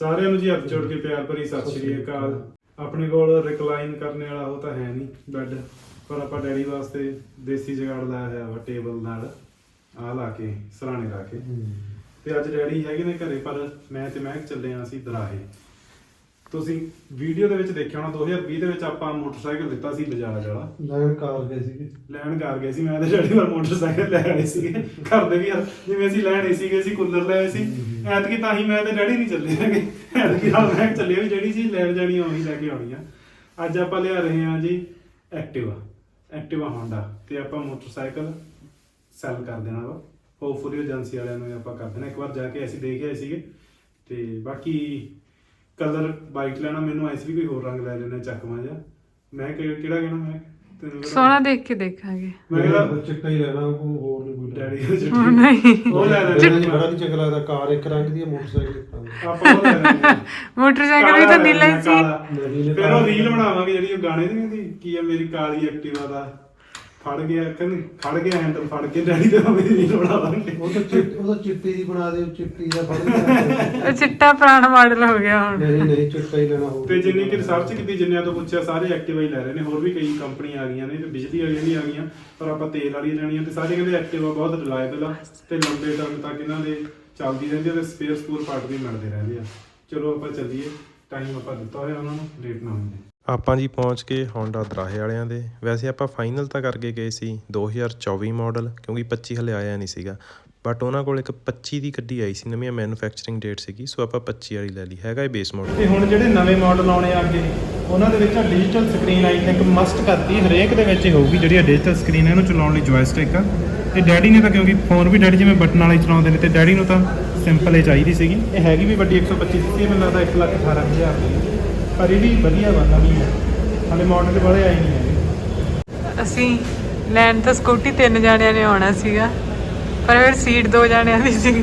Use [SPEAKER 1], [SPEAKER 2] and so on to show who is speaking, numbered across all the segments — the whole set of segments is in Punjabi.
[SPEAKER 1] ਸਾਰਿਆਂ ਨੂੰ ਜੀ ਹੱਥ ਜੋੜ ਕੇ ਪਿਆਰ ਭਰੀ ਸਤਿ ਸ਼੍ਰੀ ਅਕਾਲ। ਆਪਣੇ ਕੋਲ ਰਿਕਲਾਈਨ ਕਰਨ ਵਾਲਾ ਉਹ ਤਾਂ ਹੈ ਨਹੀਂ ਬੈੱਡ, ਪਰ ਆਪਾਂ ਡੈਡੀ ਵਾਸਤੇ ਦੇਸੀ ਜੁਗਾੜ ਲਾਇਆ ਹੋਇਆ ਵਾ ਟੇਬਲ ਨਾਲ ਆਹ ਲਾ ਕੇ ਸਰਾਣੇ ਲਾ ਕੇ। ਤੇ ਅੱਜ ਡੈਡੀ ਹੈਗੇ ਨੇ ਘਰੇ, ਪਰ ਮੈਂ ਤੇ ਮੈਂ ਚੱਲੇ ਆ ਅਸੀਂ ਦਰਾਹੇ। ਤੁਸੀਂ ਵੀਡੀਓ ਦੇ ਵਿੱਚ ਦੇਖਿਆ ਹੋਣਾ 2020 ਦੇ ਵਿੱਚ ਆਪਾਂ ਮੋਟਰਸਾਈਕਲ ਲਿੱਤਾ ਸੀ ਬਜਾਜ ਵਾਲਾ। ਲੈਣ ਕਰ ਗਏ ਸੀ ਮੈਂ ਤੇ ਡੈਡੀ ਵਾਰ ਮੋਟਰਸਾਈਕਲ ਲੈ ਆਏ ਸੀਗੇ। ਘਰ ਦੇ ਵੀ ਯਾਰ ਜਿਵੇਂ ਅਸੀਂ ਲੈਣੇ ਸੀਗੇ, ਅਸੀਂ ਕੂਲਰ ਲੈ ਆਏ ਸੀ ਐਤਕੀ, ਤਾਂ ਹੀ ਮੈਂ ਤੇ ਡੈਡੀ ਨਹੀਂ ਚੱਲੇ ਹੈਗੇ। ਐਤਕੀ ਨਾਲ ਮੈਂ ਚੱਲੇ ਵੀ ਜਿਹੜੀ ਚੀਜ਼ ਲੈਣ ਜਾਣੀ ਆਉਣੀ ਲੈ ਕੇ ਆਉਣੀ ਆ। ਅੱਜ ਆਪਾਂ ਲਿਆ ਰਹੇ ਹਾਂ ਜੀ ਐਕਟਿਵਾ ਹੋਂਡਾ, ਤੇ ਆਪਾਂ ਮੋਟਰਸਾਈਕਲ ਸੈਲ ਕਰ ਦੇਣਾ ਵਾ। ਹੋਪਫੁਲੀ ਏਜੰਸੀ ਵਾਲਿਆਂ ਨੂੰ ਆਪਾਂ ਕਰ ਦੇਣਾ। ਇੱਕ ਵਾਰ ਜਾ ਕੇ ਅਸੀਂ ਦੇਖ ਆਏ ਸੀਗੇ, ਤੇ ਬਾਕੀ ਕਲਰ ਵਾਈਟ ਲੈਣਾ, ਮੈਨੂੰ ਐਸ ਵੀ ਕੋਈ ਹੋਰ ਰੰਗ ਲੈ ਲੈਣਾ ਚੱਕਵਾਂ ਜਿਹਾ। ਮੈਂ ਕਿਹੜਾ ਕਹਿਣਾ, ਮੈਂ ਤੈਨੂੰ
[SPEAKER 2] ਸੋਹਣਾ ਦੇਖ ਕੇ ਦੇਖਾਂਗੇ।
[SPEAKER 1] ਮੈਂ ਕਿਹਾ
[SPEAKER 3] ਚਿੱਟਾ ਹੀ ਲੈਣਾ, ਕੋਈ ਹੋਰ ਨਹੀਂ ਕੋਈ
[SPEAKER 1] ਡੈਡੀ
[SPEAKER 2] ਨਹੀਂ
[SPEAKER 1] ਉਹ ਲੈ ਲੈਣਾ।
[SPEAKER 3] ਬੜਾ ਨਹੀਂ ਚੰਗਾ ਲੱਗਦਾ। ਕਾਰ ਇੱਕ ਰੰਗ ਦੀ ਹੈ, ਮੋਟਰਸਾਈਕਲ ਇੱਕ ਰੰਗ ਦੀ।
[SPEAKER 1] ਆਪਾਂ ਉਹ ਲੈ ਲੈਣਾ।
[SPEAKER 2] ਮੋਟਰਸਾਈਕਲ ਵੀ ਤਾਂ ਨੀਲਾ ਹੀ ਸੀ।
[SPEAKER 1] ਫਿਰ ਉਹ ਰੀਲ ਬਣਾਵਾਂਗੇ ਜਿਹੜੀ ਉਹ ਗਾਣੇ ਦੀ ਨਹੀਂ ਹੁੰਦੀ, ਕੀ ਆ ਮੇਰੀ ਕਾਲੀ ਐਕਟਿਵਾ ਦਾ ਫੜ ਗਿਆ ਹੈਂਡਲ ਫੜ ਕੇ ਡੈਡੀ ਦੇ ਹੋਵੇ ਰੀਲ ਬਣਾਵਾਂਗੇ।
[SPEAKER 3] ਉਹ ਤਾਂ ਚਿੱਟੀ ਦੀ ਬਣਾ ਦੇ, ਚਿੱਟੀ ਦਾ ਫੜ ਲਿਆ।
[SPEAKER 2] ਉਹ ਚਿੱਟਾ ਪੁਰਾਣਾ ਮਾਡਲ ਹੋ ਗਿਆ ਹੁਣ।
[SPEAKER 3] ਨਹੀਂ ਚਿੱਟਾ ਹੀ ਲੈਣਾ ਹੋਊ।
[SPEAKER 1] ਤੇ ਜਿੰਨੀ ਕਿ ਰਿਸਰਚ ਕੀਤੀ, ਜਿੰਨਿਆਂ ਤੋਂ ਪੁੱਛਿਆ, ਸਾਰੇ ਐਕਟਿਵਾ ਹੀ ਲੈ ਰਹੇ ਨੇ। ਹੋਰ ਵੀ ਕਈ ਕੰਪਨੀਆਂ ਆ ਗਈਆਂ ਨੇ, ਬਿਜਲੀ ਵਾਲੀਆਂ ਵੀ ਆ ਗਈਆਂ, ਪਰ ਆਪਾਂ ਤੇਲ ਵਾਲੀ ਲੈਣੀਆਂ। ਤੇ ਸਾਰੇ ਕਹਿੰਦੇ ਐਕਟਿਵਾ ਬਹੁਤ ਰਿਲਾਇਬਲ ਆ ਤੇ ਲੰਬੇ ਟਰਮ ਤੱਕ ਇਹਨਾਂ ਦੇ ਚੱਲਦੀ ਰਹਿੰਦੀ ਆ ਤੇ ਸਪੇਅਰ ਪਾਰਟ ਵੀ ਮਿਲਦੇ ਰਹਿੰਦੇ ਆ। ਚਲੋ ਆਪਾਂ ਚੱਲੀਏ, ਟਾਈਮ ਆਪਾਂ ਦਿੱਤਾ ਹੋਇਆ ਉਹਨਾਂ ਨੂੰ, ਲੇਟ ਨਾ ਹੋਈਏ।
[SPEAKER 4] ਆਪਾਂ ਜੀ ਪਹੁੰਚ ਕੇ ਹੋਂਡਾ ਦਰਾਹੇ ਵਾਲਿਆਂ ਦੇ। ਵੈਸੇ ਆਪਾਂ ਫਾਈਨਲ ਤਾਂ ਕਰਕੇ ਗਏ ਸੀ 2024 ਮਾਡਲ, ਕਿਉਂਕਿ 25 ਹਲੇ ਆਇਆ ਨਹੀਂ ਸੀਗਾ। ਬਟ ਉਹਨਾਂ ਕੋਲ ਇੱਕ 25 ਦੀ ਗੱਡੀ ਆਈ ਸੀ, ਨਵੀਂ ਮੈਨੂਫੈਕਚਰਿੰਗ ਡੇਟ ਸੀਗੀ, ਸੋ ਆਪਾਂ 25 ਵਾਲੀ ਲੈ ਲਈ। ਹੈਗਾ ਇਹ ਬੇਸ ਮਾਡਲ।
[SPEAKER 1] ਤੇ ਹੁਣ ਜਿਹੜੇ ਨਵੇਂ ਮਾਡਲ ਆਉਣੇ ਆ ਅੱਗੇ, ਉਹਨਾਂ ਦੇ ਵਿੱਚ digital screen I think must ਕਰਤੀ, ਹਰੇਕ ਦੇ ਵਿੱਚ ਹੀ ਹੋਊਗੀ ਜਿਹੜੀ ਡਿਜੀਟਲ ਸਕਰੀਨ ਹੈ। ਇਹਨੂੰ ਚਲਾਉਣ ਲਈ ਜੋਇਸਟਿਕ ਆ। ਤੇ ਡੈਡੀ ਨੇ ਤਾਂ, ਕਿਉਂਕਿ ਫੋਨ ਵੀ ਡੈਡੀ ਜਿਵੇਂ ਬਟਨ ਵਾਲੇ ਚਲਾਉਂਦੇ ਨੇ, ਤੇ ਡੈਡੀ ਨੂੰ ਤਾਂ ਸਿੰਪਲ ਹੀ ਚਾਹੀਦੀ ਸੀਗੀ। ਇਹ ਹੈਗੀ ਵੀ ਵੱਡੀ 125 ਸੀ, ਮੈਨੂੰ ਲੱਗਦਾ 1,18,000 ਦੀ, ਪਰ ਇਹ ਵੀ ਵਧੀਆ ਵਾ, ਨਵੀਂ ਹੈ, ਹਾਲੇ ਮਾਡਲ ਵਾਲੇ ਆਏ ਨਹੀਂ ਹੈਗੇ।
[SPEAKER 2] ਅਸੀਂ ਲੈਣ ਤਾਂ ਸਕੂਟੀ 3 ਜਾਣਿਆਂ ਨੇ ਆਉਣਾ ਸੀਗਾ, ਪਰ ਫਿਰ ਸੀਟ 2 ਜਾਣਿਆਂ ਦੀ ਸੀ।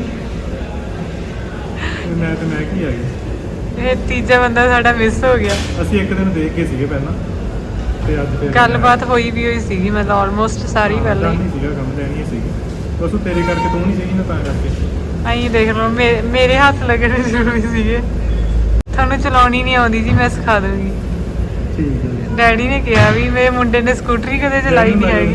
[SPEAKER 1] ਮੈਂ ਕੀ ਆ ਗਈ,
[SPEAKER 2] ਇਹ ਤੀਜਾ ਬੰਦਾ ਸਾਡਾ ਮਿਸ ਹੋ ਗਿਆ।
[SPEAKER 1] ਅਸੀਂ ਇੱਕ ਦਿਨ ਦੇਖ ਕੇ ਸੀਗੇ ਪਹਿਲਾਂ, ਤੇ ਅੱਜ ਫਿਰ
[SPEAKER 2] ਗੱਲਬਾਤ ਹੋਈ ਸੀਗੀ, ਮਤਲਬ ਆਲਮੋਸਟ ਸਾਰੀ ਪਹਿਲਾਂ ਹੀ
[SPEAKER 1] ਨਹੀਂ ਸੀਗਾ, ਕੰਮ ਲੈਣੀ ਸੀਗੀ। ਬਸ ਉਹ ਤੇਰੇ ਕਰਕੇ ਤੂੰ ਨਹੀਂ ਸੀਗੀ ਨਾ, ਤਾਂ ਕਰਕੇ
[SPEAKER 2] ਆਈ ਦੇਖ ਲਓ। ਮੇਰੇ ਹੱਥ ਲੱਗਣੇ ਜ਼ਰੂਰੀ ਸੀਗੇ। ਤੁਹਾਨੂੰ ਚਲਾਉਣੀ ਨਹੀਂ ਆਉਂਦੀ ਜੀ, ਮੈਂ ਸਿਖਾ ਦੂੰਗੀ।
[SPEAKER 1] ਠੀਕ ਹੈ।
[SPEAKER 2] ਡੈਡੀ ਨੇ ਕਿਹਾ ਵੀ ਮੇਰੇ ਮੁੰਡੇ ਨੇ ਸਕੂਟਰੀ ਕਦੇ ਚਲਾਈ ਨਹੀਂ ਹੈਗੀ।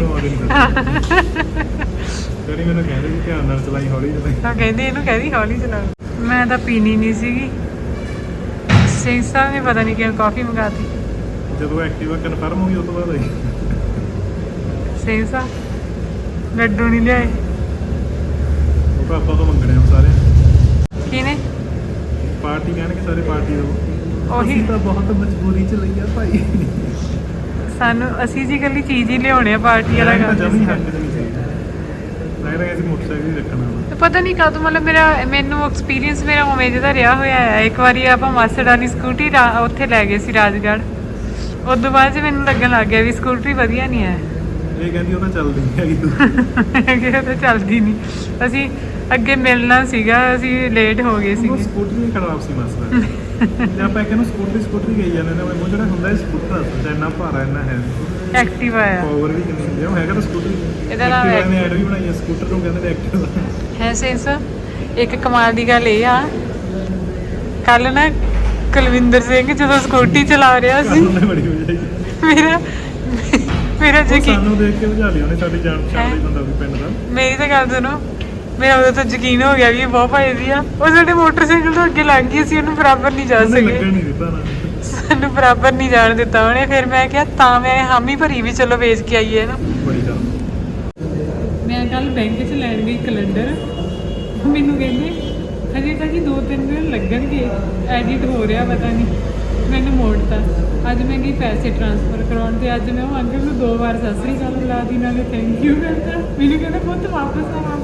[SPEAKER 1] ਡੈਡੀ ਮੈਨੂੰ ਕਹਿੰਦੇ ਕਿ ਧਿਆਨ ਨਾਲ ਚਲਾਈ, ਹੌਲੀ ਚਲਾਈ।
[SPEAKER 2] ਤਾਂ ਕਹਿੰਦੇ ਇਹਨੂੰ ਕਹਿੰਦੀ ਹੌਲੀ ਚਲਾ। ਮੈਂ ਤਾਂ ਪੀਣੀ ਨਹੀਂ ਸੀਗੀ। ਸਿੰਘ ਸਾਹਿਬ ਨੇ ਪਤਾ ਨਹੀਂ ਕਿਉਂ ਕਾਫੀ ਮੰਗਾਤੀ।
[SPEAKER 1] ਜਦੋਂ ਐਕਟਿਵਾ ਕਨਫਰਮ ਹੋ ਗਈ ਉਸ ਤੋਂ ਬਾਅਦ ਆਈ
[SPEAKER 2] ਸਿੰਘ ਸਾਹਿਬ ਲੱਡੂ ਨਹੀਂ ਲਿਆਏ।
[SPEAKER 1] ਉਹ ਪਾਪਾ ਤੋਂ ਮੰਗਣੇ ਆ ਸਾਰੇ।
[SPEAKER 2] ਕਿਹਨੇ?
[SPEAKER 1] ਪਾਰਟੀ ਕਹਿਣਗੇ ਸਾਰੇ, ਪਾਰਟੀ ਦੋ।
[SPEAKER 2] ਉਹੀ
[SPEAKER 1] ਤਾਂ ਬਹੁਤ ਮਜਬੂਰੀ ਚ ਲਈ ਆ ਭਾਈ।
[SPEAKER 2] ਸਾਨੂੰ ਅਸੀਂ ਜੀ ਇਕੱਲੀ ਚੀਜ਼ ਹੀ ਲਿਆਉਣੇ ਆ, ਪਾਰਟੀ ਵਾਲਾ ਕੰਮ
[SPEAKER 1] ਜਮੀ ਹੱਕ ਨਹੀਂ ਸੀ। ਮੈਂ ਤਾਂ ਅਸੀਂ ਮੋਟਰਸਾਈਕਲ ਹੀ ਰੱਖਣਾ ਵਾ।
[SPEAKER 2] ਪਤਾ ਨਹੀਂ ਕਦੋਂ, ਮਤਲਬ ਮੈਨੂੰ ਐਕਸਪੀਰੀਅੰਸ ਮੇਰਾ ਉਵੇਂ ਜਿਹਦਾ ਰਿਹਾ ਹੋਇਆ ਆ। ਇੱਕ ਵਾਰੀ ਆਪਾਂ ਮਾਸੜ ਵਾਲੀ ਸਕੂਟੀ ਉੱਥੇ ਲੈ ਗਏ ਸੀ ਰਾਜਗੜ੍ਹ। ਉਸ ਤੋਂ ਬਾਅਦ ਮੈਨੂੰ ਲੱਗਣ ਲੱਗ ਗਿਆ ਵੀ ਸਕੂਟਰੀ ਵਧੀਆ ਨਹੀਂ ਹੈ।
[SPEAKER 1] ਇਹ ਕਹਿੰਦੀ ਉਹ ਤਾਂ ਚੱਲਦੀ ਨਹੀਂ ਹੈਗੀ ਤੂੰ।
[SPEAKER 2] ਇਹ ਤਾਂ ਚੱਲਦੀ ਨਹੀਂ। ਅਸੀਂ ਅੱਗੇ ਮਿਲਣਾ ਸੀਗਾ, ਅਸੀਂ ਲੇਟ ਹੋ ਗਏ ਸੀ।
[SPEAKER 1] ਸਕੂਟਰੀ ਵੀ ਖਰਾਬ ਸੀ ਮਸਲਾ। ਜੇ ਆਪਾਂ ਇੱਕ ਨੂੰ ਸਕੂਟਰੀ ਗਈ ਜਾਂਦੇ ਨੇ, ਉਹ ਜਿਹੜਾ ਹੁੰਦਾ ਸਕੂਟਰ ਇੰਨਾ ਭਾਰਾ ਇੰਨਾ ਹੈ,
[SPEAKER 2] ਐਕਟਿਵਾ ਆ,
[SPEAKER 1] ਪਾਵਰ ਵੀ ਕਿੰਨੀ ਹੁੰਦੀ ਆ। ਉਹ ਹੈਗਾ ਤਾਂ ਸਕੂਟਰੀ।
[SPEAKER 2] ਇਹਦਾ ਨਾਮ
[SPEAKER 1] ਨੇ ਐਡ ਵੀ ਬਣਾਈ ਆ, ਸਕੂਟਰ ਨੂੰ ਕਹਿੰਦੇ ਨੇ ਐਕਟਿਵਾ
[SPEAKER 2] ਹੈ। ਸੈਂਸ ਇੱਕ ਕਮਾਲ ਦੀ ਗੱਲ ਇਹ ਆ, ਕੱਲ ਨਾ ਕੁਲਵਿੰਦਰ ਸਿੰਘ ਜਦੋਂ ਸਕੂਟੀ ਚਲਾ ਰਿਹਾ ਸੀ,
[SPEAKER 1] ਬੜੀ ਹੋ ਜਾਏਗੀ।
[SPEAKER 2] ਮੇਰਾ ਯਕੀਨ
[SPEAKER 1] ਸਾਨੂੰ ਦੇਖ ਕੇ ਬੁਝਾ ਲਿਆ ਉਹਨੇ, ਸਾਡੀ ਜਾਣ ਪਛਾਣ ਦਾ ਬੰਦਾ ਵੀ ਪਿੰਡ ਦਾ।
[SPEAKER 2] ਮੇਰੀ ਤਾਂ ਗੱਲ ਸੁਣੋ, ਮੇਰਾ ਉਦੋਂ ਤਾਂ ਯਕੀਨ ਹੋ ਗਿਆ ਵੀ ਇਹ ਬਹੁਤ ਭਾਈਦੀ ਆ। ਉਹ ਸਾਡੇ ਮੋਟਰਸਾਈਕਲ ਤੋਂ ਅੱਗੇ ਲੰਘ ਗਈ ਸੀ, ਉਹਨੂੰ ਬਰਾਬਰ ਨਹੀਂ ਜਾ ਸਕੇ।
[SPEAKER 1] ਲੱਗਣ ਨਹੀਂ ਦਿੱਤਾ ਨਾ,
[SPEAKER 2] ਸਾਨੂੰ ਬਰਾਬਰ ਨਹੀਂ ਜਾਣ ਦਿੱਤਾ ਉਹਨੇ। ਫਿਰ ਮੈਂ ਕਿਹਾ ਤਾਂ ਮੈਂ ਹਾਮੀ ਭਰੀ ਵੀ ਚਲੋ ਵੇਚ ਕੇ ਆਈਏ ਨਾ।
[SPEAKER 1] ਬੜੀ ਗੱਲ।
[SPEAKER 2] ਮੈਂ ਕੱਲ ਬੈਂਕ 'ਚ ਲੈਣ ਗਈ ਕੈਲੰਡਰ, ਮੈਨੂੰ ਕਹਿੰਦੇ ਹਜੇ ਤਾਂ ਜੀ 2-3 ਦਿਨ ਲੱਗਣਗੇ, ਐਡਿਟ ਹੋ ਰਿਹਾ ਪਤਾ ਨਹੀਂ। ਮੈਨੂੰ ਮੋੜਤਾ। ਅੱਜ ਮੈਂ ਗਈ ਪੈਸੇ ਟ੍ਰਾਂਸਫਰ ਕਰਾਉਣ, ਤੇ ਅੱਜ ਮੈਂ ਉਹ ਅੰਕਲ ਨੂੰ 2 ਵਾਰ ਸਤਿ ਸ੍ਰੀ ਅਕਾਲ ਬੁਲਾ ਦੀ, ਨਾਲੇ ਥੈਂਕ ਯੂ ਕਰਤਾ। ਮੈਨੂੰ ਕਹਿੰਦਾ ਪੁੱਤ ਵਾਪਸ ਆ।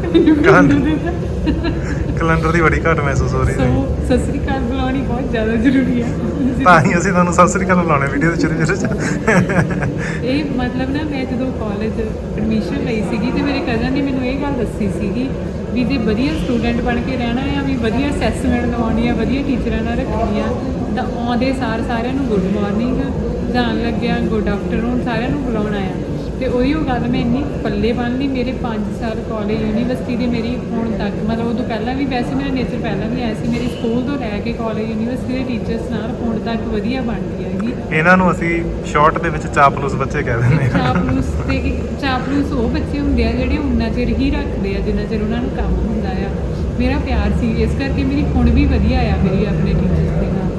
[SPEAKER 4] ਕੈਲੰਡਰ ਦੀ ਬੜੀ ਘੱਟ ਮਹਿਸੂਸ ਹੋ ਰਹੀ ਹੈ।
[SPEAKER 2] ਸਤਿ ਸ੍ਰੀ ਅਕਾਲ ਬੁਲਾਉਣੀ ਬਹੁਤ ਜ਼ਿਆਦਾ ਜ਼ਰੂਰੀ ਆ।
[SPEAKER 4] ਤਾਂ ਹੀ ਅਸੀਂ ਤੁਹਾਨੂੰ ਸਤਿ ਸ੍ਰੀ ਅਕਾਲ ਬੁਲਾਉਣੇ ਵੀਡੀਓ ਦੇ ਸ਼ੁਰੂ ਚ।
[SPEAKER 2] ਇਹ ਮਤਲਬ ਨਾ, ਮੈਂ ਜਦੋਂ ਕਾਲਜ ਐਡਮਿਸ਼ਨ ਲਈ ਸੀਗੀ, ਤੇ ਮੇਰੇ ਕਜ਼ਨ ਨੇ ਮੈਨੂੰ ਇਹ ਗੱਲ ਦੱਸੀ ਸੀਗੀ ਵੀ ਜੇ ਵਧੀਆ ਸਟੂਡੈਂਟ ਬਣ ਕੇ ਰਹਿਣਾ ਆ, ਵੀ ਵਧੀਆ ਅਸੈਸਮੈਂਟ ਲਵਾਉਣੀ ਆ, ਵਧੀਆ ਟੀਚਰਾਂ ਨਾਲ ਰੱਖਣੀ ਆ, ਤਾਂ ਆਉਂਦੇ ਸਾਰਿਆਂ ਨੂੰ ਗੁੱਡ ਮਾਰਨਿੰਗ, ਜਾਣ ਲੱਗਿਆ ਗੁੱਡ ਆਫਟਰਨੂਨ, ਸਾਰਿਆਂ ਨੂੰ ਬੁਲਾਉਣਾ ਆ। ਤੇ ਉਹੀ ਉਹ ਗੱਲ ਮੈਂ ਇੰਨੀ ਪੱਲੇ ਬੰਨ ਲਈ। ਮੇਰੇ 5 ਸਾਲ ਕਾਲਜ ਯੂਨੀਵਰਸਿਟੀ ਦੇ ਮੇਰੀ ਹੁਣ ਤੱਕ ਮਤਲਬ ਉਦੋਂ ਪਹਿਲਾਂ ਵੀ ਵੈਸੇ ਮੇਰਾ ਨੇਚਰ ਪਹਿਲਾਂ ਵੀ ਆਇਆ ਸੀ, ਮੇਰੀ ਸਕੂਲ ਤੋਂ ਲੈ ਕੇ ਕਾਲਜ ਯੂਨੀਵਰਸਿਟੀ ਦੇ ਟੀਚਰਸ ਨਾਲ ਹੁਣ ਤੱਕ ਵਧੀਆ ਬਣਦੀ ਹੈਗੀ।
[SPEAKER 1] ਇਹਨਾਂ ਨੂੰ ਅਸੀਂ ਸ਼ਾਰਟ ਦੇ ਵਿੱਚ ਚਾਪਲੂਸ ਬੱਚੇ ਕਹਿ ਦਿੰਦੇ ਹਾਂ।
[SPEAKER 2] ਚਾਪਲੂਸ ਉਹ ਬੱਚੇ ਹੁੰਦੇ ਆ ਜਿਹੜੇ ਉਨਾ ਚਿਰ ਹੀ ਰੱਖਦੇ ਆ ਜਿੰਨਾ ਚਿਰ ਉਹਨਾਂ ਨੂੰ ਕੰਮ ਹੁੰਦਾ ਆ। ਮੇਰਾ ਪਿਆਰ ਸੀ, ਇਸ ਕਰਕੇ ਮੇਰੀ ਹੁਣ ਵੀ ਵਧੀਆ ਆ ਮੇਰੀ ਆਪਣੇ ਟੀਚਰਸ ਦੇ ਨਾਲ।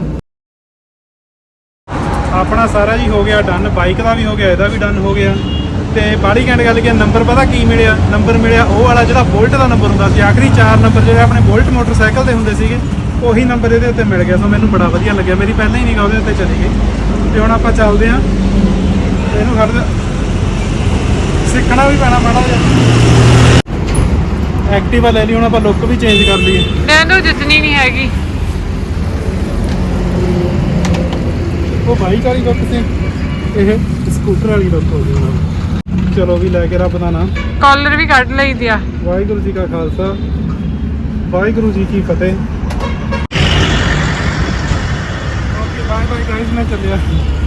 [SPEAKER 1] ਆਪਣਾ ਸਾਰਾ ਜੀ ਹੋ ਗਿਆ ਡਨ, ਬਾਈਕ ਦਾ ਵੀ ਹੋ ਗਿਆ, ਇਹਦਾ ਵੀ ਡਨ ਹੋ ਗਿਆ। ਤੇ ਬਾੜੀ ਘੈਂਟ ਗੱਲ ਕੀ ਨੰਬਰ ਪਤਾ ਕੀ ਮਿਲਿਆ? ਨੰਬਰ ਮਿਲਿਆ ਉਹ ਵਾਲਾ ਜਿਹੜਾ ਬੋਲਟ ਦਾ ਨੰਬਰ ਹੁੰਦਾ ਸੀ। ਆਖਰੀ 4 ਨੰਬਰ ਜਿਹੜੇ ਆਪਣੇ ਬੋਲਟ ਮੋਟਰਸਾਈਕਲ ਦੇ ਹੁੰਦੇ ਸੀਗੇ, ਉਹੀ ਨੰਬਰ ਇਹਦੇ ਉੱਤੇ ਮਿਲ ਗਿਆ। ਸੋ ਮੈਨੂੰ ਬੜਾ ਵਧੀਆ ਲੱਗਿਆ। ਮੇਰੀ ਪਹਿਲਾਂ ਹੀ ਨਿਗਾਹ ਉਹਦੇ ਉੱਤੇ ਚਲੀ ਗਈ। ਤੇ ਹੁਣ ਆਪਾਂ ਚੱਲਦੇ ਹਾਂ, ਇਹਨੂੰ ਖੜ੍ਹ ਸਿੱਖਣਾ ਵੀ ਪੈਣਾ ਮਾੜਾ ਜਿਹਾ। ਐਕਟਿਵਾ ਲੈ ਲਈ, ਹੁਣ ਆਪਾਂ ਲੁੱਕ ਵੀ ਚੇਂਜ ਕਰ ਲਈਏ।
[SPEAKER 2] ਮੈਨੂੰ ਜਿੱਤਣੀ ਨਹੀਂ ਹੈਗੀ।
[SPEAKER 1] ਉਹ ਬਾਈਕ ਵਾਲੀ ਲੁੱਕ ਸੀ, ਇਹ ਸਕੂਟਰ ਵਾਲੀ ਲੁੱਕ ਹੋ ਗਈ ਹੁਣ। ਚਲੋ ਵੀ ਲੈ ਕੇ ਰੱਬ ਦਾ ਨਾਮ।
[SPEAKER 2] ਕਾਲਰ ਵੀ ਕੱਢ ਲਈ ਦਿਆ।
[SPEAKER 1] ਵਾਹਿਗੁਰੂ ਜੀ ਕਾ ਖਾਲਸਾ, ਵਾਹਿਗੁਰੂ ਜੀ ਕੀ ਫਤਿਹ। ਓਕੇ ਬਾਏ ਬਾਏ ਗਾਇਸ, ਮੈਂ ਚੱਲਿਆ।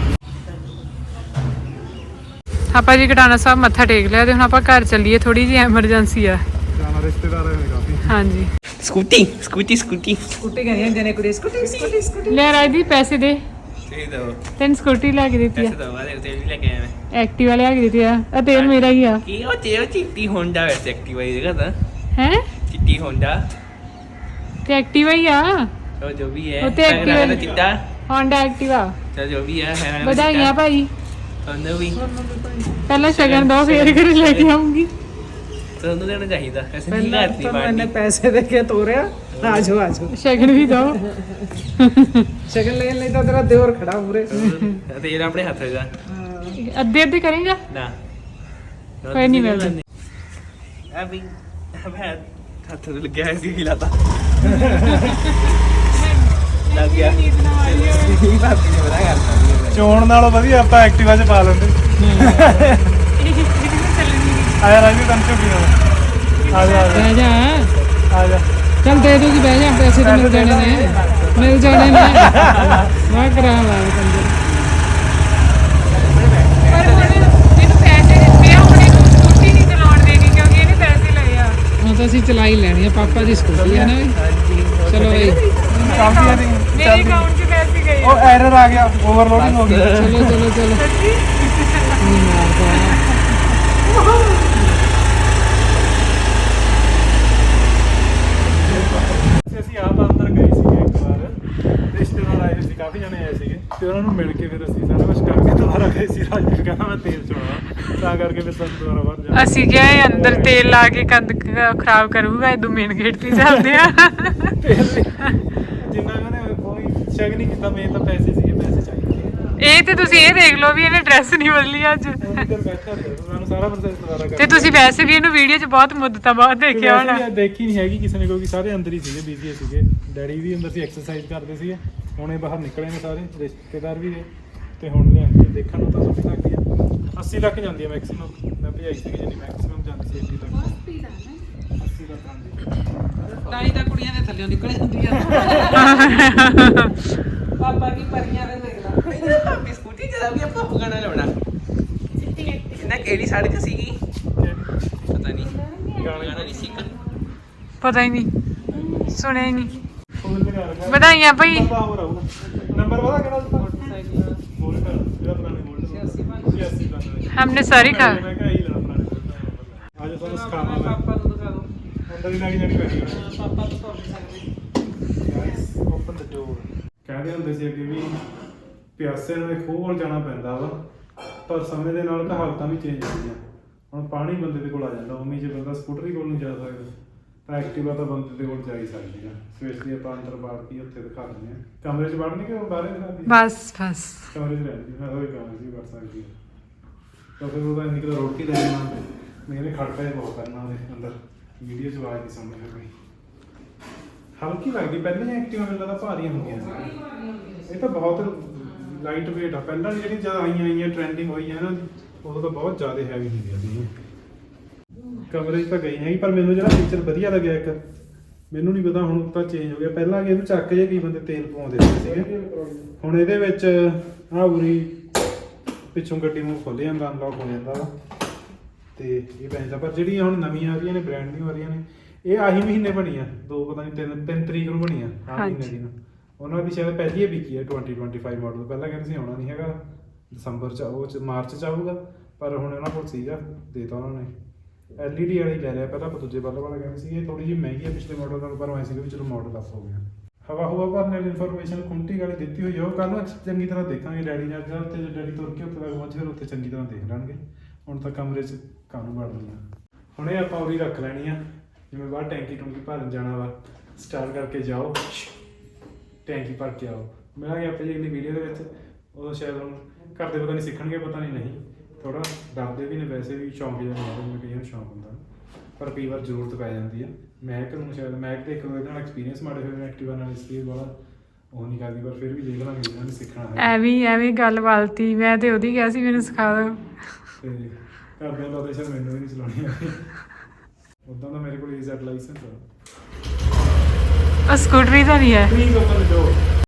[SPEAKER 2] ਆਪਾਂ ਜੀ ਕਟਾਣਾ ਸਾਹਿਬ ਮੱਥਾ ਟੇਕ ਲਿਆ ਤੇ ਹੁਣ ਆਪਾਂ ਘਰ ਚੱਲੀਏ, ਥੋੜੀ ਜਿਹੀ ਐਮਰਜੈਂਸੀ ਆ।
[SPEAKER 1] ਜਾਣਾ ਰਿਸ਼ਤੇਦਾਰ ਆਏ ਨੇ ਕਾਫੀ।
[SPEAKER 2] ਹਾਂਜੀ
[SPEAKER 5] ਸਕੂਟੀ
[SPEAKER 6] ਕਹਿੰਦੀਆਂ ਹੁੰਦੀਆਂ ਨੇ ਕੁੜੀ ਸਕੂਟੀ
[SPEAKER 2] ਲੈ ਰਾਜਦੀਪ ਪੈਸੇ ਦੇ,
[SPEAKER 5] ਦੇ ਦੋ
[SPEAKER 2] ਤੈਨੂੰ ਸਕੂਟੀ ਲੈ ਕੇ ਦਿੱਤੀ ਆ,
[SPEAKER 5] ਪੈਸੇ ਦੋ ਵਾਲੇ ਤੇ ਵੀ ਲੈ ਕੇ ਆਇਆ ਮੈਂ।
[SPEAKER 2] ਐਕਟਿਵਾ ਲਿਆ ਕੇ ਦਿੱਤੀ ਆ ਤੇਲ ਮੇਰਾ ਹੀ ਆ।
[SPEAKER 5] ਕੀ ਉਹ ਚਿੱਟੀ ਹੋਂਡਾ ਵੈਸੇ ਐਕਟਿਵਾ ਹੀ ਦੇਖਦਾ
[SPEAKER 2] ਹੈ
[SPEAKER 5] ਚਿੱਟੀ ਹੋਂਡਾ
[SPEAKER 2] ਤੇ ਐਕਟਿਵਾ ਹੀ ਆ,
[SPEAKER 5] ਉਹ ਜੋ ਵੀ ਹੈ
[SPEAKER 2] ਉਹ ਤੇ Activa
[SPEAKER 5] ਦਾ ਚਿੱਟਾ
[SPEAKER 2] ਹੋਂਡਾ ਐਕਟਿਵਾ।
[SPEAKER 5] ਚਲ ਜੋ ਵੀ ਹੈ
[SPEAKER 2] ਵਧਾਈਆਂ ਭਾਈ।
[SPEAKER 5] ਤੁਹਾਨੂੰ ਵੀ
[SPEAKER 2] ਪਹਿਲਾਂ ਸ਼ਗਨ ਦੋ ਫੇਰ ਘਰੇ ਲੈ ਕੇ ਆਉਂਗੀ।
[SPEAKER 5] ਤੁਹਾਨੂੰ ਦੇਣਾ ਚਾਹੀਦਾ ਐਸੇ ਨਹੀਂ ਕਰਦੀ
[SPEAKER 6] ਮੈंने
[SPEAKER 5] ਬਾਣੀ
[SPEAKER 6] पैसे देके तोड़या आजो
[SPEAKER 2] ਸ਼ਗਨ ਵੀ ਦੋ।
[SPEAKER 6] शगन ले नहीं तो तेरा देवर खड़ा पूरे
[SPEAKER 5] ਤੇ ਇਹ ਆਪਣੇ ਹੱਥ ਹੈਗਾ
[SPEAKER 2] ਅੱਧੇ ਅੱਧੇ ਕਰੇਗਾ
[SPEAKER 5] ਨਾ
[SPEAKER 2] ਕੋਈ ਨਹੀਂ ਮਿਲਦਾ।
[SPEAKER 5] ਅਭੀ ਅਬੇ ਹੱਥ ਤੇ ਲੱਗਿਆ ਸੀ ਹਿਲਾਤਾ ਲੱਗ ਗਿਆ ਇਹ ਬਾਤ ਨਹੀਂ ਬੜਾ ਕਰਦਾ
[SPEAKER 1] ਚੋਣ ਨਾਲੋਂ ਵਧੀਆ ਆਪਾਂ ਐਕਟਿਵਾ 'ਚ ਪਾ ਲੈਂਦੇ। ਆਇਆ ਰਾਜੀ ਤੈਨੂੰ ਝੁੱਗੀ ਨਾਲ ਆ ਜਾ
[SPEAKER 2] ਬਹਿ ਜਾ
[SPEAKER 1] ਆ ਜਾ।
[SPEAKER 2] ਚੱਲ ਦੇ ਦੂਗੀ, ਬਹਿ ਜਾ, ਪੈਸੇ ਤਾਂ ਮਿਲ ਜਾਣੇ ਨੇ, ਮਿਲ ਜਾਣੇ ਨੇ। ਵਾਹ ਕਰਾ ਲਾ ਕੰਜਰ। ਪਰ ਹੁਣ ਇਹਨੂੰ ਪੈਸੇ ਦਿੱਤੇ ਆ, ਹੁਣ ਇਹਨੂੰ ਸਕੂਟੀ ਨਹੀਂ ਚਲਾਉਣ ਦੇਣੀ ਕਿਉਂਕਿ ਇਹਨੇ ਪੈਸੇ ਲਏ ਆ। ਹੁਣ ਤਾਂ ਅਸੀਂ ਚਲਾ ਹੀ ਲੈਣੀ ਆ, ਪਾਪਾ ਦੀ ਸਕੂਟੀ ਆ ਨਾ ਵੀ। ਚਲੋ ਬਈ
[SPEAKER 1] ਕਾਫੀ ਦੀ
[SPEAKER 2] ਮੇਰੇ ਅਕਾਊਂਟ 'ਚ ਪੈਸੇ ਗਏ।
[SPEAKER 1] ਉਹ ਐਰਰ ਆ ਗਿਆ, ਓਵਰਲੋਡਿੰਗ ਹੋ ਗਈ।
[SPEAKER 2] ਚਲੋ ਚਲੋ ਚਲੋ ਨਹੀਂ ਮਾਰਦਾ।
[SPEAKER 1] ਅਸੀਂ ਆਪ ਅੰਦਰ ਗਏ ਸੀਗੇ ਇੱਕ ਵਾਰ, ਰਿਸ਼ਤੇਦਾਰ ਆਏ ਸੀ, ਕਾਫੀ ਜਣੇ ਆਏ ਸੀਗੇ ਤੇ ਉਹਨਾਂ ਨੂੰ ਮਿਲ ਕੇ ਫਿਰ ਅਸੀਂ ਸਾਰਾ ਕੁਝ ਕਰਕੇ ਦੁਬਾਰਾ ਗਏ ਸੀ। ਰਾਜੀਵ ਕਹਿੰਦਾ ਮੈਂ ਤੇਲ ਚੋਣਾ, ਤਾਂ ਕਰਕੇ ਫਿਰ ਸਾਨੂੰ ਦੁਬਾਰਾ ਬਾਹਰ ਜਾਣਾ।
[SPEAKER 2] ਅਸੀਂ ਕਿਹਾ ਇਹ ਅੰਦਰ ਤੇਲ ਲਾ ਕੇ ਕੰਧ ਖਰਾਬ ਕਰੂਗਾ, ਇਹ ਮੇਨ ਗੇਟ ਤੇ ਚੱਲਦੇ ਆ।
[SPEAKER 1] ਜਿੰਨਾ ਕਹਿੰਦੇ ਕੋਈ ਸ਼ੱਕ ਨਹੀਂ ਕੀਤਾ, ਮੇਨ ਤਾਂ ਪੈਸੇ ਸੀਗੇ, ਪੈਸੇ ਚਾਹੀਦੇ ਸੀ।
[SPEAKER 2] ਇਹ ਤੇ ਤੁਸੀਂ ਇਹ ਦੇਖ ਲਓ ਵੀ ਇਹਨੇ ਡਰੈਸ ਨਹੀਂ ਬਦਲੀ ਅੱਜ।
[SPEAKER 1] ਉਹ ਇੱਧਰ ਬੈਠਾ ਸੀ, ਸਾਨੂੰ ਸਾਰਾ ਪ੍ਰੋਸੈਸ ਦੁਬਾਰਾ
[SPEAKER 2] ਤੇ ਤੁਸੀਂ ਵੈਸੇ ਵੀ ਇਹਨੂੰ ਵੀਡੀਓ 'ਚ ਬਹੁਤ ਮੁੱਦਤਾਂ ਬਾਅਦ ਦੇਖਿਆ ਹੋਣਾ।
[SPEAKER 1] ਦੇਖੀ ਨਹੀਂ ਹੈਗੀ ਕਿਸੇ ਨੇ, ਕਿਉਂਕਿ ਸਾਰੇ ਅੰਦਰ ਹੀ ਸੀਗੇ, ਬੀਜੀ ਸੀਗੇ। ਡੈਡੀ ਵੀ ਅੰਦਰ ਸੀ, ਐਕਸਰਸਾਈਜ਼ ਕਰਦੇ ਸੀਗੇ। ਹੁਣ ਇਹ ਬਾਹਰ ਨਿਕਲੇ ਨੇ ਸਾਰੇ ਰਿਸ਼ਤੇਦਾਰ ਵੀ ਨੇ ਤੇ ਹੁਣ ਲਿਆਂਦੇ ਦੇਖਣ ਨੂੰ ਤਾਂ ਸੁੱਟ ਸਕਦੀ ਆ। 80 ਲੱਖ ਜਾਂਦੀ ਆ ਮੈਕਸਿਮਮ, ਮੈਂ ਭਜਾਈ ਸੀਗੀ ਜਿੰਨੀ ਮੈਕਸਿਮਮ ਜਾਂਦੀ ਸੀ 80 ਲੱਖ। 80 ਲੱਖ ਜਾਂਦੀ।
[SPEAKER 6] ਤਾਈ ਤਾਂ ਕੁੜੀਆਂ ਦੇ ਥੱਲੇ ਨਿਕਲ ਜਾਂਦੀਆਂ ਪਾਪਾ ਕੀ ਪਰੀਆਂ ਦੇ ਦੇਖਦਾ
[SPEAKER 5] ਆਪਣੀ ਸਕੂਟੀ ਚਲਾ ਵੀ ਆਪਾਂ ਗਾਣਾ ਲਾਉਣਾ ਨਾ ਕਿਹੜੀ ਸੜਕ ਸੀਗੀ ਪਤਾ ਨਹੀਂ ਗਾਣਾ ਨਹੀਂ ਸੀਗਾ
[SPEAKER 2] ਪਤਾ ਹੀ ਨਹੀਂ, ਸੁਣਿਆ ਹੀ ਨਹੀਂ।
[SPEAKER 1] ਫੋਨ ਲਗਾ ਰੱਖਿਆ।
[SPEAKER 2] ਵਧਾਈਆਂ ਭਾਈ।
[SPEAKER 1] ਨੰਬਰ ਪਤਾ ਕਿਹੜਾ ਸੀ? ਬੋਲਟ ਜਿਹੜਾ ਪੁਰਾਣੇ ਬੋਲਟ 86 85
[SPEAKER 2] हमने सारी खा
[SPEAKER 1] ਮੈਂ ਕਿਹਾ ਇਹੀ ਲੈਣਾ ਪੁਰਾਣੇ ਬੋਲਟ। ਅੱਜ ਤੁਹਾਨੂੰ ਸਿਖਾਵਾਂ ਮੈਂ।
[SPEAKER 6] ਪਾਪਾ ਨੂੰ ਦਿਖਾ ਦੋ
[SPEAKER 1] ਅੰਦਰ ਹੀ ਲੱਗ ਜਾਣੀ ਪੈਣੀ ਹੈ।
[SPEAKER 6] ਪਾਪਾ ਤੋਂ ਤੋੜ ਨਹੀਂ ਸਕਦੇ
[SPEAKER 1] ਗਾਇਸ ਓਪਨ ਦ ਡੋਰ। ਕਹਿੰਦੇ ਹੁੰਦੇ ਸੀ ਅੱਗੇ ਵੀ ਪਿਆਸੇ ਨੂੰ ਇੱਕ ਖੂਹ ਕੋਲ ਜਾਣਾ ਪੈਂਦਾ ਵਾ, ਪਰ ਸਮੇਂ ਦੇ ਨਾਲ ਹਾਲਤਾਂ ਵੀ ਚੇਂਜ ਹੁੰਦੀਆਂ। ਹੁਣ ਪਾਣੀ ਬੰਦੇ ਦੇ ਕੋਲ ਆ ਜਾਂਦਾ, ਉਮੀ ਜੇ ਬੰਦਾ ਸਕੂਟਰੀ ਕੋਲ ਨਹੀਂ ਜਾ ਸਕਦਾ ਤਾਂ ਐਕਟਿਵਾ ਤਾਂ ਬੰਦੇ ਦੇ ਕੋਲ ਜਾ ਹੀ ਸਕਦੀ ਆ। ਸਪੈਸ਼ਲੀ ਆਪਾਂ ਅੰਦਰ ਬਾੜ ਕੇ ਉੱਥੇ ਦਿਖਾ ਦਿੰਦੇ ਆ। ਕਮਰੇ 'ਚ ਵੜਨੀ ਕਿ ਬਾਹਰ ਦਿਖਾ ਦਈਏ?
[SPEAKER 2] बस बस
[SPEAKER 1] ਕਮਰੇ 'ਚ ਰਹਿੰਦੀ, ਮੈਂ ਤਾਂ ਕਮਰੇ 'ਚ ਵੀ ਵੜ ਸਕਦੀ ਆ। ਤਾਂ ਫਿਰ ਉਹਦਾ ਇੰਨੀ ਕੁ ਰੋਟੀ ਲੈ ਜਾਣਾ, ਮੇਰੇ ਖੜਕਾ ਹੀ ਬਹੁਤ ਕਰਨਾ ਉਹਦੇ ਅੰਦਰ। ਵੀਡੀਓ 'ਚ ਆਵਾਜ਼ ਨਹੀਂ ਸੁਣਨੀ ਹੈ ਕੋਈ। ਹਲਕੀ ਲੱਗਦੀ, ਪਹਿਲਾਂ ਐਕਟਿਵਾ ਮੈਨੂੰ ਲੱਗਦਾ ਭਾਰੀਆਂ ਹੁੰਦੀਆਂ ਸੀ। ਇਹ ਤਾਂ ਬਹੁਤ ਲਾਈਟ ਵੇਟ ਆ। ਪਹਿਲਾਂ ਜਿਹੜੀ ਜਦ ਆਈਆਂ ਟ੍ਰੈਂਡਿੰਗ ਹੋਈ ਹੈ ਨਾ, ਉਦੋਂ ਤਾਂ ਬਹੁਤ ਜ਼ਿਆਦਾ ਹੈਵੀ ਹੁੰਦੀਆਂ ਸੀ। ਕਮਰੇ 'ਚ ਤਾਂ ਗਈ ਹੈਗੀ, ਪਰ ਮੈਨੂੰ ਜਿਹੜਾ ਫੀਚਰ ਵਧੀਆ ਲੱਗਿਆ ਇੱਕ, ਮੈਨੂੰ ਨਹੀਂ ਪਤਾ ਹੁਣ ਤਾਂ ਚੇਂਜ ਹੋ ਗਿਆ। ਪਹਿਲਾਂ ਕਿ ਇਹਨੂੰ ਚੱਕ ਜੇ ਕਈ ਬੰਦੇ ਤੇਲ ਪਵਾਉਂਦੇ ਸੀਗੇ, ਹੁਣ ਇਹਦੇ ਵਿੱਚ ਆਹ ਉਰੀ ਪਿੱਛੋਂ ਗੱਡੀ ਨੂੰ ਖੁੱਲ੍ਹ ਜਾਂਦਾ, ਅਨਲੌਕ ਹੋ ਜਾਂਦਾ ਵਾ। ਤੇ ਇਹ ਪੈਂਦਾ। ਪਰ ਜਿਹੜੀਆਂ ਹੁਣ ਨਵੀਆਂ ਆ ਰਹੀਆਂ ਨੇ, ਬ੍ਰਾਂਡ ਨਿਊ ਆ ਰਹੀਆਂ ਨੇ, ਇਹ ਆਹੀ ਮਹੀਨੇ ਬਣੀਆਂ, 2 ਪਤਾ ਨਹੀਂ 3 ਤਰੀਕ ਨੂੰ ਬਣੀਆਂ ਆਹ ਮਹੀਨੇ ਦੀ। ਉਹਨਾਂ ਦੀ ਸ਼ਾਇਦ ਪਹਿਲੀ ਹੀ ਵਿਕੀ ਹੈ 2025 ਮਾਡਲ। ਪਹਿਲਾਂ ਕਹਿੰਦੇ ਸੀ ਆਉਣਾ ਨਹੀਂ ਹੈਗਾ, ਦਸੰਬਰ ਚ ਮਾਰਚ ਚ ਆਊਗਾ, ਪਰ ਹੁਣ ਇਹਨਾਂ ਕੋਲ ਸੀਗਾ, ਦੇਤਾ ਉਹਨਾਂ ਨੇ। LED ਵਾਲਾ ਹੀ ਲੈ ਲਿਆ, ਪਹਿਲਾਂ ਆਪਾਂ ਦੂਜੇ ਬੱਲਬ ਵਾਲਾ ਕਹਿੰਦੇ ਸੀ। ਇਹ ਥੋੜੀ ਜਿਹੀ ਮਹਿੰਗੀ ਹੈ ਪਿਛਲੇ ਮਾਡਲ ਨਾਲੋਂ, ਪਰ ਐਂ ਸੀਗਾ ਵੀ ਚਲੋ ਮਾਡਲ ਅਪ ਹੋ ਗਿਆ। ਹਵਾ ਹੁਵਾ ਭਰਨ ਵਾਲੀ ਇਨਫੋਰਮੇਸ਼ਨ ਖੁੰਟੀ ਵਾਲੀ ਦਿੱਤੀ ਹੋਈ ਆ, ਉਹ ਕੱਲ ਨੂੰ ਚੰਗੀ ਤਰ੍ਹਾਂ ਦੇਖਾਂਗੇ। ਡੈਡੀ ਨੇ ਅੱਜ ਉੱਤੇ ਡੈਡੀ ਤੁਰ ਕੇ ਉੱਤੇ ਤੱਕ ਪਹੁੰਚ, ਫਿਰ ਉੱਥੇ ਚੰਗੀ ਤਰ੍ਹਾਂ ਦੇਖ ਲੈਣਗੇ। ਹੁਣ ਤਾਂ ਕਮਰੇ 'ਚ ਕਾਹਨੂੰ ਵੜਨੀ ਆ। ਹੁਣ ਇਹ ਆਪਾਂ ਉਹਦੀ ਰੱਖ ਲੈਣੀ ਆ, ਜਿਵੇਂ ਬਾਹਰ ਟੈਂਕੀ ਟੂੰਕੀ ਭਰਨ ਜਾਣਾ ਵਾ, ਸਟਾਰਟ ਕਰਕੇ ਜਾਓ, ਟੈਂਕੀ ਭਰ ਕੇ ਆਓ। ਮਿਲਾਂਗੇ ਆਪਾਂ ਜੀ ਅਗਲੀ ਵੀਡੀਓ ਦੇ ਵਿੱਚ। ਉਦੋਂ ਸ਼ਾਇਦ ਹੁਣ ਘਰ ਦੇ ਪਤਾ ਨਹੀਂ ਸਿੱਖਣਗੇ, ਪਤਾ ਨਹੀਂ ਥੋੜਾ ਡਰਦੇ ਵੀ ਨੇ, ਵੈਸੇ ਵੀ ਸ਼ੌਂਕ ਜਿਹਾ ਨਹੀਂ, ਜਿਵੇਂ ਕਈਆਂ ਨੂੰ ਸ਼ੌਂਕ ਹੁੰਦਾ, ਪਰ ਕਈ ਵਾਰ ਜ਼ਰੂਰਤ ਪੈ ਜਾਂਦੀ ਆ। ਮੈਕ ਨੂੰ ਸ਼ਾਇਦ ਮੈਕ ਤੇ ਇੱਕ ਦੋ ਇਹਦੇ ਨਾਲ ਐਕਸਪੀਰੀਅੰਸ ਮਾੜੇ ਹੋਏ ਨੇ, ਐਕਟਿਵਾ ਨਾਲ, ਇਸ ਲਈ ਵਾਲਾ ਉਹ ਨਹੀਂ ਕਰਦੀ, ਪਰ ਫਿਰ ਵੀ ਦੇਖ ਲਾਂਗੇ ਇਹਨਾਂ ਨੇ ਸਿੱਖਣਾ ਹੈ।
[SPEAKER 2] ਐਵੇਂ ਗੱਲ ਵਾਲਤੀ, ਮੈਂ ਤੇ ਉਹਦੀ ਕਿਹਾ ਸੀ ਮੈਨੂੰ ਸਿਖਾ ਦਿਓ।
[SPEAKER 1] ਤੇ ਘਰਦਿਆਂ ਦਾ ਸ਼ਾਇਦ ਮੈਨੂੰ ਵੀ ਨਹੀਂ ਚਲਾਉਣੀ ਆਉਂਦੀ। ਉਦਾਂ ਤਾਂ ਮੇਰੇ ਕੋਲ EZ ਲਾਇਸੈਂਸ ਆ।
[SPEAKER 2] ਸਕੂਟਰੀ ਤਾਂ ਨਹੀਂ ਹੈ।
[SPEAKER 1] ਠੀਕ ਆ, ਜੋ